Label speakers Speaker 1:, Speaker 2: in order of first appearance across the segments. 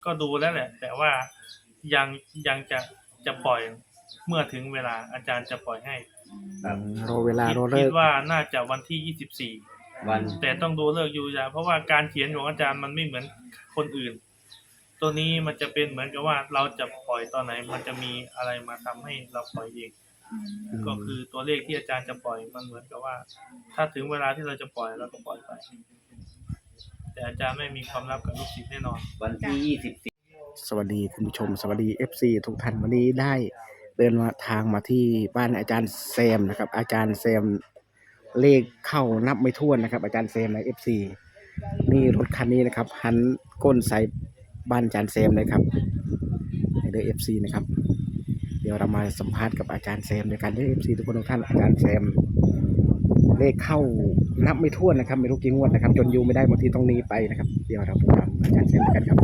Speaker 1: ก็ดูแล้วแหละแต่ว่ายังยังจะปล่อยเมื่อถึงเวลาอาจารย์จะปล่อยให้
Speaker 2: ครับรอเวลารอ
Speaker 1: คิ
Speaker 2: เลิ
Speaker 1: ด
Speaker 2: ก
Speaker 1: ว่าน่าจะวันที่24
Speaker 2: วัน
Speaker 1: แต่ต้องดูเลิกยูยาเพราะว่าการเขียนของอาจารย์มันไม่เหมือนคนอื่นตัวนี้มันจะเป็นเหมือนกับว่าเราจะปล่อยตอนไหนมันจะมีอะไรมาทำให้เราปล่อยเองก็คือตัวเลขที่อาจารย์จะปล่อยมันเหมือนกับว่าถ้าถึงเวลาที่เราจะปล่อยเราก็ปล่อยไปแต่อาจารย์ไม่มีความลับกับลูกศิษย์แน่นอน
Speaker 2: วันที่24สวัสดีคุณผู้ชมสวัสดี FC ทุกท่านวันนี้ได้เดินทางมาที่บ้านอาจารย์แซมนะครับอาจารย์แซมเลขเข้านับไม่ถ้วนนะครับอาจารย์แซมใน FC นี่รถคันนี้นะครับหันก้นใส่บ้านอาจารย์แซมเลยครับในเดอ FC นะครับเดี๋ยวเรามาสัมภาษณ์กับอาจารย์แซมในการเดอ FC ทุกคนทุกท่านอาจารย์แซมเลขเข้านับไม่ถ้วนนะครับไม่รู้กี่งวดนะครับจนอยู่ไม่ได้บางทีต้องหนีไปนะครับเดี๋ยวเราไปตามอาจารย์แซมกันครับ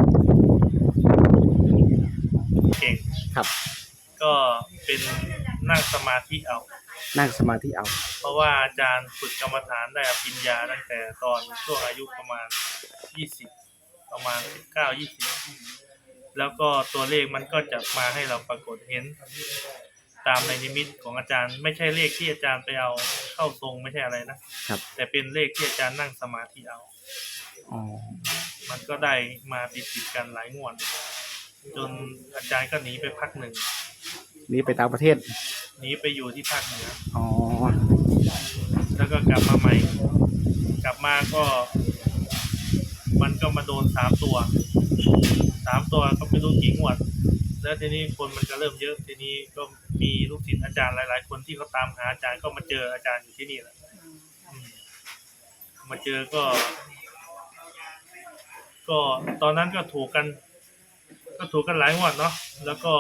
Speaker 1: เก่ง
Speaker 2: ครับ
Speaker 1: ก็เป็นนั่งสมาธิเอา
Speaker 2: นั่งสมาธิเอา
Speaker 1: เพราะว่าอาจารย์ฝึกกรรมฐานได้อภิญญาตั้งแต่ตอนช่วงอายุประมาณ20ประมาณ19-20แล้วก็ตัวเลขมันก็จะมาให้เราปรากฏเห็นตามในนิมิตของอาจารย์ไม่ใช่เลขที่อาจารย์ไปเอาเข้าทรงไม่ใช่อะไรนะครับแต่เป็นเลขที่อาจารย์นั่งสมาธิเอามันก็ได้มาติดกันหลายงวดจนอาจารย์ก็หนีไปพักหนึ่ง
Speaker 2: หนีไปต่างประเทศ
Speaker 1: หนีไปอยู่ที่ภาคเหนือ
Speaker 2: แ
Speaker 1: ล้วก็กลับมาใหม่กลับมาก็มันก็มาโดน3 ตัวก็ไม่รู้กี่งวดแล้วทีนี้คนมันก็เริ่มเยอะทีนี้ก็มีลูกศิษย์อาจารย์หลายๆคนที่เขาตามหาอาจารย์ก็มาเจออาจารย์อยู่ที่นี่แหละมาเจอก็ตอนนั้นก็ถูกกันหลายงวดเนาะแล้วก็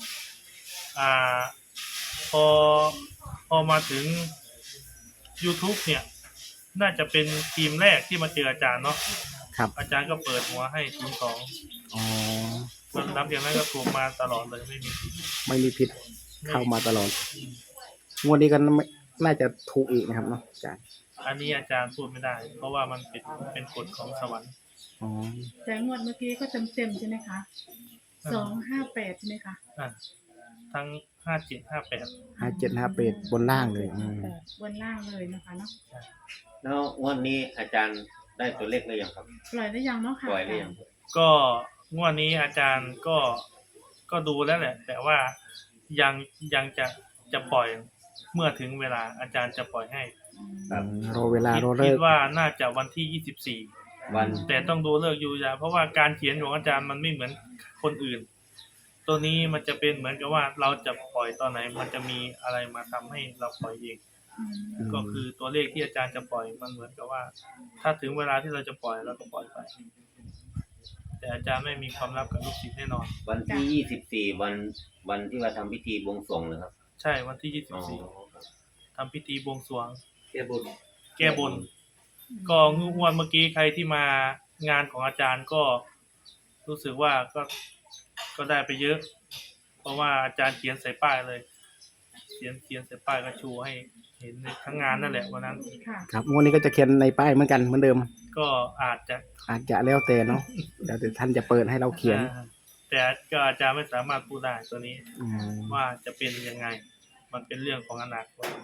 Speaker 1: พอมาถึง YouTube เนี่ยน่าจะเป็นทีมแรกที่มาเจออาจารย์เนาะ
Speaker 2: ครับ
Speaker 1: อาจารย์ก็เปิดหัวให้02ส่วนนับอย่างนั้นก็ถูกมาตลอดเลยไม่มี
Speaker 2: ผิดเข้ามาตลอดงวดนี้ก็น่าจะถูกอีกนะครับเนาะอาจารย์
Speaker 1: อันนี้อาจารย์พูดไม่ได้เพราะว่ามันเป็นกฎของสวรรค์
Speaker 3: แต่งวดเมื่อกี้ก็เต็มใช่ไหมคะ258ใช่ไหมคะ
Speaker 1: ทั้ง
Speaker 2: 5758บนล่างเลย
Speaker 3: บนล่างเลยนะคะเนาะ
Speaker 2: แล้ววันนี้อาจารย์ได้ตัวเลขหรือยังครับ
Speaker 3: ปล่อยได้ยังเนาะค่ะ
Speaker 2: ปล่อยหรือยัง
Speaker 1: ก็งวดนี้อาจารย์ก็ดูแล้วแหละแต่ว่ายังจะปล่อยเมื่อถึงเวลาอาจารย์จะปล่อยให้
Speaker 2: รอเวลารอเลิก
Speaker 1: คิดว่าน่าจะวันที่24
Speaker 2: วัน
Speaker 1: แต่ต้องดูเลิกยูยาเพราะว่าการเขียนของอาจารย์มันไม่เหมือนคนอื่นตัวนี้มันจะเป็นเหมือนกับว่าเราจะปล่อยตอนไหนมันจะมีอะไรมาทำให้เราปล่อยเองก็คือตัวเลขที่อาจารย์จะปล่อยมันเหมือนกับว่าถ้าถึงเวลาที่เราจะปล่อยเราก็ปล่อยไปแต่อาจารย์ไม่มีความลับกับลูกศิษย์แน่นอน
Speaker 2: วันที่24วันที่ว่าทำพิธีบวงสรวงนะครับ
Speaker 1: ใช่วันที่24ทำพิธีบวงสรวงแก้บนก็งวดเมื่อกี้ใครที่มางานของอาจารย์ก็รู้สึกว่าก็ได้ไปเยอะเพราะว่าอาจารย์เขียนใส่ป้ายเลยเขียนใส่ป้ายก็ชูให้เห็นทั้งงานนั่นแหละวันนั้น
Speaker 2: ครับงวดนี้ก็จะเขียนในป้ายเหมือนกันเหมือนเดิม
Speaker 1: ก็อาจจะ
Speaker 2: แล้วแต่เนาะเดี๋ยวท่านจะเปิดให้เราเขียน
Speaker 1: แต่ก็อาจารย์ไม่สามารถพูดได้ตัวนี้ว่าจะเป็นยังไงมันเป็นเรื่องของอนาคต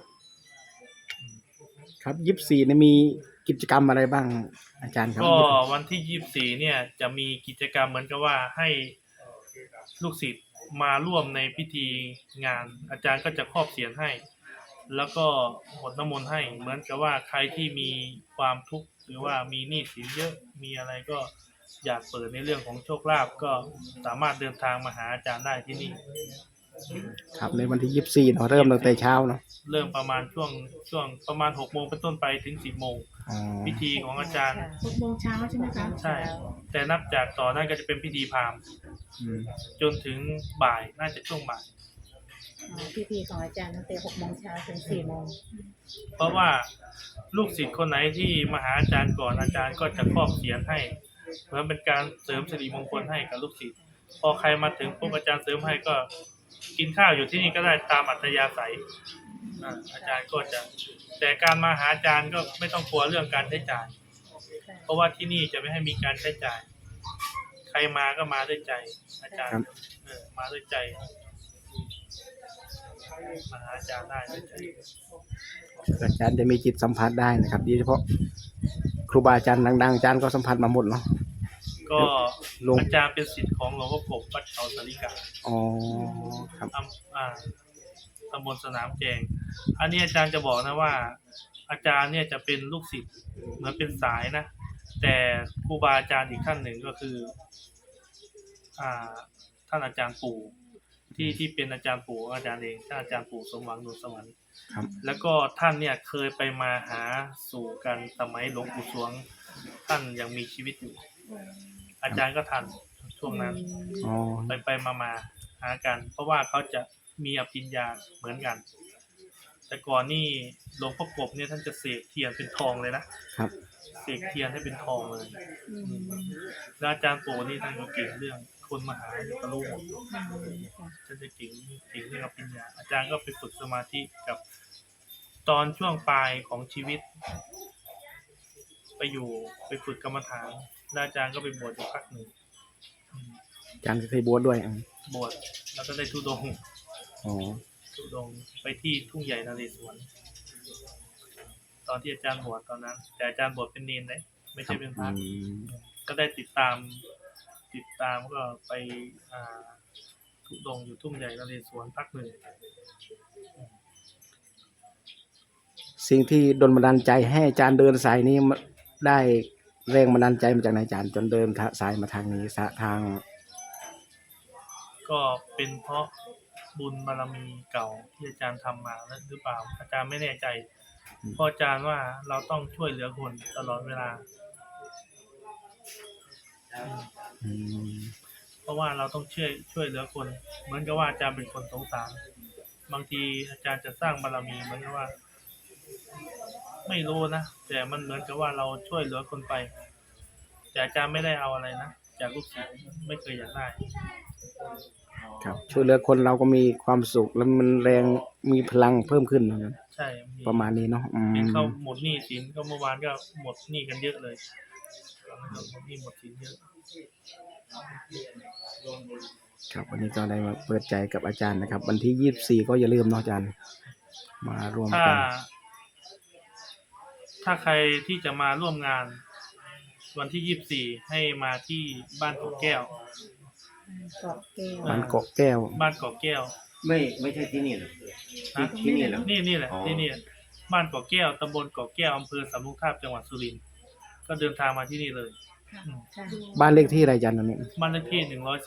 Speaker 2: ครับ24เนี่ยมีกิจกรรมอะไรบ้างอาจารย์ครับ
Speaker 1: ก็วันที่24เนี่ยจะมีกิจกรรมเหมือนกับว่าให้ลูกศิษย์มาร่วมในพิธีงานอาจารย์ก็จะครอบเสียรให้แล้วก็หดน้ำมนต์ให้เหมือนกับว่าใครที่มีความทุกข์หรือว่ามีหนี้สินเยอะมีอะไรก็อยากเปิดในเรื่องของโชคลาภก็สามารถเดินทางมาหาอาจารย์ได้ที่นี่
Speaker 2: ครับในวันที่24เนาะเริ่มตั้งแต่เช้าเนาะ
Speaker 1: เริ่มประมาณช่วงประมาณ 6 โมงเป็นต้นไปถึง 10 โมงพิธีของอาจารย์
Speaker 3: 6 โมงเช้าใช่ไหมคะ
Speaker 1: ใช่แต่นับจากต่อนั่นก็จะเป็นพิธีพราหมณ์จนถึงบ่ายน่าจะช่วงบ่าย
Speaker 3: พิธีของอาจารย์ตั้งแต่6 โมงเช้าถึง4 โมง
Speaker 1: เพราะว่าลูกศิษย์คนไหนที่มาหาอาจารย์ก่อนอาจารย์ก็จะครอบเสียรให้เพื่อเป็นการเสริมสิริมงคลให้กับลูกศิษย์พอใครมาถึงปุ๊บอาจารย์เสริมให้ก็กินข้าวอยู่ที่นี่ก็ได้ตามอัธยาศัยอาจารย์ก็จะแต่การมาหาอาจารย์ก็ไม่ต้องกลัวเรื่องการใช้จ่ายเพราะว่าที่นี่จะไม่ให้มีการใช้จ่ายใครมาก็มาด้วยใจ อาจารย์
Speaker 2: ครับ
Speaker 1: มาด้วยใจมาหาอาจารย์ได้ด้วยใจ
Speaker 2: อาจารย์จะมีจิตสัมผัสได้นะครับโดยเฉพาะครูบาอาจารย์ดังๆอาจารย์ก็สัมผัสมาหมดเนาะ
Speaker 1: ก็
Speaker 2: ลง
Speaker 1: อาจารย์เป็นศิษย์ของหลวงพ่อกบวัดเขาสาริกา
Speaker 2: อ๋อครับ
Speaker 1: ตำบลสนามแจง อันนี้อาจารย์จะบอกนะว่า อาจารย์เนี่ยจะเป็นลูกศิษย์เหมือนเป็นสายนะ แต่ครูบาอาจารย์อีกท่านหนึ่งก็คือ ท่านอาจารย์ปู่ที่เป็นอาจารย์ปู่อาจารย์เองท่านอาจารย์ปู่สมหวังนวลสวรรค์
Speaker 2: ครับ
Speaker 1: แล้วก็ท่านเนี่ยเคยไปมาหาสู่กันสมัยหลวงปู่สวง ท่านยังมีชีวิตอยู่ อาจารย์ก็ทันช่วงนั้น
Speaker 2: อ๋อ
Speaker 1: ไปมาหากัน เพราะว่าเขาจะมีอภิญญาเหมือนกัน แต่ก่อนนี่หลวงพ่อกบเนี่ยท่านจะเสกเทียนเป็นทองเลยนะครับ เสกเทียนให้เป็นทองเลยแล้วอาจารย์ปู่นี่ท่านก็เก่งเรื่องคนมาหาตะลุหมดท่านจะเก่งเรื่องอภิญญา อาจารย์ก็ไปฝึกสมาธิกับตอนช่วงปลายของชีวิต ไปฝึกกรรมฐานแล้วอาจารย์ก็ไปบวชอยู่พักหนึ่ง
Speaker 2: อาจารย์ก็เคยบวชด้วย
Speaker 1: บวชแล้วก็ได้ธุดงค์
Speaker 2: อ๋อ
Speaker 1: ธุดงค์ไปที่ทุ่งใหญ่นเรศวรตอนที่อาจารย์บวชตอนนั้น แต่อาจารย์บวชเป็นเนรเลยไม่ใช่เป็นพระ ก็ได้ติดตามก็ไปธุดงค์อยู่ทุ่งใหญ่นเรศวรพักหนึ่ง
Speaker 2: สิ่งที่ดลบันดาลใจให้อาจารย์เดินสายนี้ได้แรงบันดาลใจมาจากไหนอาจารย์จนเดินสายมาทางนี้ทาง
Speaker 1: ก็เป็นเพราะบุญบารมีเก่าที่อาจารย์ทำมาหรือเปล่า อาจารย์ไม่แน่ใจเพราะอาจารย์ว่าเราต้องช่วยเหลือคนตลอดเวลา เพราะว่าเราต้องช่วยเหลือคน เหมือนกับว่าอาจารย์เป็นคนสงสาร บางทีอาจารย์จะสร้างบารมีเหมือนกับว่า ไม่รู้นะแต่มันเหมือนกับว่าเราช่วยเหลือคนไป แต่อาจารย์ไม่ได้เอาอะไรนะจากลูกศิษย์ไม่เคยอยากได้
Speaker 2: ครับช่วยเหลือคนเราก็มีความสุขแล้วมันแรงมีพลังเพิ่มขึ้นนะครับ
Speaker 1: ใช่
Speaker 2: ประมาณนี้เนาะ
Speaker 1: เห็นเขาหมดหนี้สินก็เมื่อวานก็หมดหนี้กันเยอะเลยตอนนั้นก็หมดหนี้หมดสินเยอะ
Speaker 2: ครับวันนี้ก็ได้มาเปิดใจกับอาจารย์นะครับ วันที่24ก็อย่าลืมเนาะอาจารย์ มารวม
Speaker 1: ถ้า
Speaker 2: กัน
Speaker 1: ถ้าใครที่จะมาร่วมงาน วันที่24ให้มาที่บ้านเกาะแก้ว
Speaker 3: เกาะแก้ว
Speaker 2: บ้านเกาะแก้ว
Speaker 1: บ้านเกาะแก้ว
Speaker 4: ไม่ใช่ที่นี่หรอ
Speaker 1: นะ
Speaker 4: ที่นี่เหรอ
Speaker 1: นี่แหละ
Speaker 4: อ๋อ
Speaker 1: ที่นี่บ้านเกาะแก้วตำบลเกาะแก้วอำเภอสำโรงทาบจังหวัดสุรินทร์ก็เดินทางมาที่นี่เลย
Speaker 3: ค่ะ
Speaker 1: อืม
Speaker 3: ค่ะ
Speaker 2: บ้านเลขที่อะไรอาจารย์ตรงนี้
Speaker 1: บ้านเลขที่142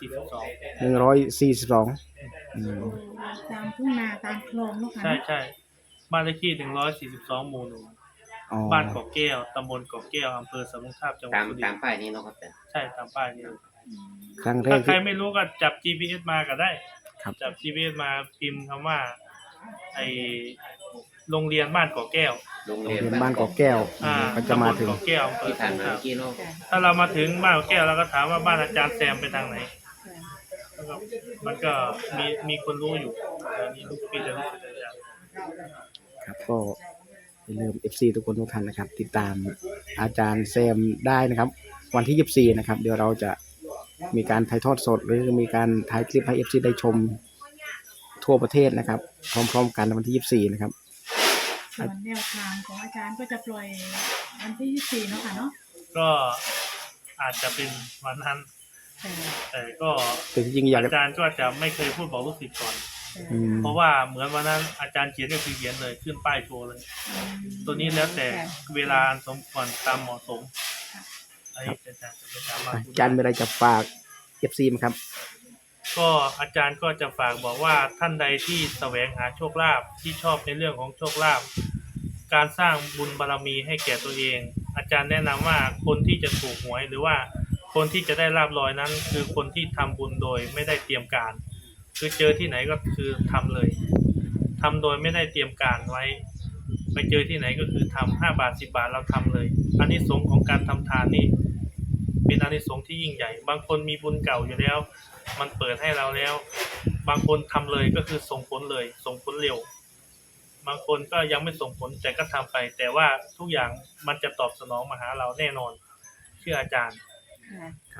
Speaker 2: 142
Speaker 3: ตามทุ่งนาตามคลองเนาะค่ะ
Speaker 1: ใช่บ้านเลขที่142หมู่
Speaker 2: อ๋อ
Speaker 1: 1บ้านเกาะแก้วตำบลเกาะแก้วอำเภอสำโรงทาบจังหวัด
Speaker 4: ตาม
Speaker 1: สุริ
Speaker 4: ตาน ม
Speaker 1: ทร์
Speaker 4: ป้ายนี้เนาะครับแต่
Speaker 1: ใช่ตามป้ายนี้
Speaker 2: ครั้งแร
Speaker 1: ถ้าก ใคร
Speaker 2: ที่
Speaker 1: ไม่รู้ก็จับ GPS มาก็ได้
Speaker 2: ครับ
Speaker 1: จับ GPS มาพิมพ์คำว่าไอโรงเรียนบ้านเกาะแก้ว
Speaker 4: โรง
Speaker 2: โรง
Speaker 4: เรียน
Speaker 2: เรียนบ้านเกาะแก้ว ก็จะมาถึง
Speaker 1: ตำบลเกาะแก้วอำเภอ
Speaker 4: ที่ผ่าน
Speaker 1: สำโรง
Speaker 4: มา
Speaker 1: ทาบ
Speaker 4: เมื่อกี้เนาะ
Speaker 3: ค่ะ
Speaker 1: ถ้าเรามาถึงบ้านเกาะแก้วเราก็ถามว่าบ้านอาจารย์แซมไปทางไหน แล้วก็มันก็มีคนรู้อยู่แต่นี่ลูกพี่จะรู้สึกอาจารย์
Speaker 2: ครับก็อย่าลืม FC ทุกคนทุกท่านนะครับ ติดตามอาจารย์แซมได้นะครับ วันที่ 24 นะครับ เดี๋ยวเราจะมีการถ่ายทอดสด หรือมีการถ่ายคลิปให้ FC ได้ชมทั่วประเทศนะครับ พร้อมๆกันในวันที่ 24 นะครับ
Speaker 3: ส่วนแนวทางของอาจารย์ก็จะปล่อยวันที่24เนาะค่ะเนาะ
Speaker 1: ก็อาจจะเป็นวันนั้น
Speaker 3: แต่
Speaker 1: แต่ก็
Speaker 2: แต่จริงๆอยาก
Speaker 1: อาจารย์ก็จะไม่เคยพูดบอกลูกศิษย์ก่อน
Speaker 2: อืม
Speaker 1: เพราะว่าเหมือนวันนั้นอาจารย์เขียนก็คือเขียนเลยขึ้นป้ายโชว์เลย ตัวนี้แล้วแต่เวลาอันสมควรตามเหมาะสมอันนี้อาจารย์จะไปตามมา
Speaker 2: อาจารย์มีอะไรจะฝาก FC ไหมครับ
Speaker 1: ก็อาจารย์ก็จะฝากบอกว่าท่านใดที่แสวงหาโชคลาภที่ชอบในเรื่องของโชคลาภการสร้างบุญบารมีให้แก่ตัวเอง อาจารย์แนะนำว่าคนที่จะถูกหวยหรือว่าคนที่จะได้ลาภลอยนั้น คือคนที่ทำบุญโดยไม่ได้เตรียมการ คือเจอที่ไหนก็คือทำเลยทำโดยไม่ได้เตรียมการไว้ ไปเจอที่ไหนก็คือทำ5 บาท 10 บาทเราทำเลยอานิสงส์ของการทำทานนี่เป็นอานิสงส์ที่ยิ่งใหญ่ บางคนมีบุญเก่าอยู่แล้ว มันเปิดให้เราแล้ว บางคนทำเลยก็คือส่งผลเลย ส่งผลเร็ว บางคนก็ยังไม่ส่งผลแต่ก็ทำไป แต่ว่าทุกอย่างมันจะตอบสนองมาหาเราแน่นอนเชื่ออาจารย์
Speaker 3: ค่ะ
Speaker 2: ครับ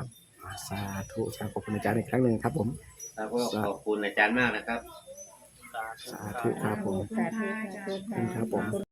Speaker 2: สาธุขอบคุณอาจารย์อีกครั้งหนึ่งครับผม
Speaker 4: แล้วก็ขอบคุณอาจารย์มากนะครับ
Speaker 2: สาธุครับผม
Speaker 3: ขอบคุณค่ะอาจารย์
Speaker 2: ครับผม